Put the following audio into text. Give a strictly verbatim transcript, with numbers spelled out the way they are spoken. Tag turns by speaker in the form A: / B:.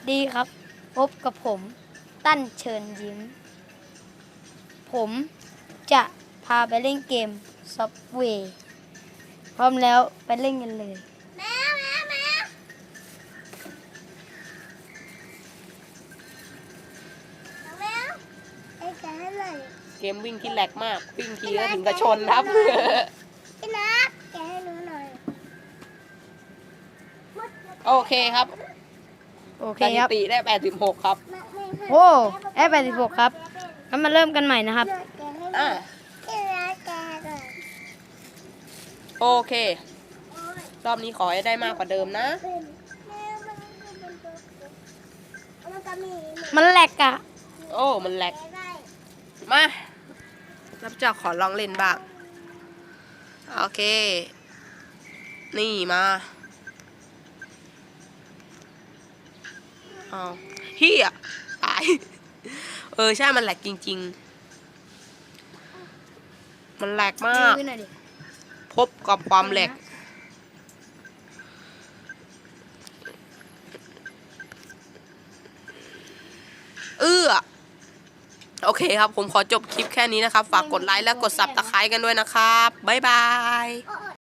A: ดีครับพบกับผมตั้นเชิญยิ้มผมจะพาไปเล่นเกม Subway พร้อมแล้วไปเล่นกันเลยแมวแมวแมวแมวไอ้แกอะไร
B: เกมวิ่งที่แหลกมากวิ่งทีก็ถึงกระชนครับ
A: ไอ้นักแกให้หนูหน่อย
B: โอเคครับ
A: โอเค
B: สถิ
A: ครับ
B: ติได้แปดสิบหกครับ
A: โอ้แอปแปดสิบหกครับงั้นมาเริ่มกันใหม่นะครับ
B: อ่าโอเครอบนี้ขอให้ได้มากกว่าเดิมนะ
A: มันแหลกอะ
B: โอ้มันแหลกมารับเจ้าขอลองเล่นบ้างโอเคนี่มาเอาเฮียตายเออใช่มันแหลกจริงๆมันแหลกมากพบกับความแหลกเออโอเคครับผมขอจบคลิปแค่นี้นะครับฝากกดไลค์และกดซับสไครบ์กันด้วยนะครับบ๊ายบาย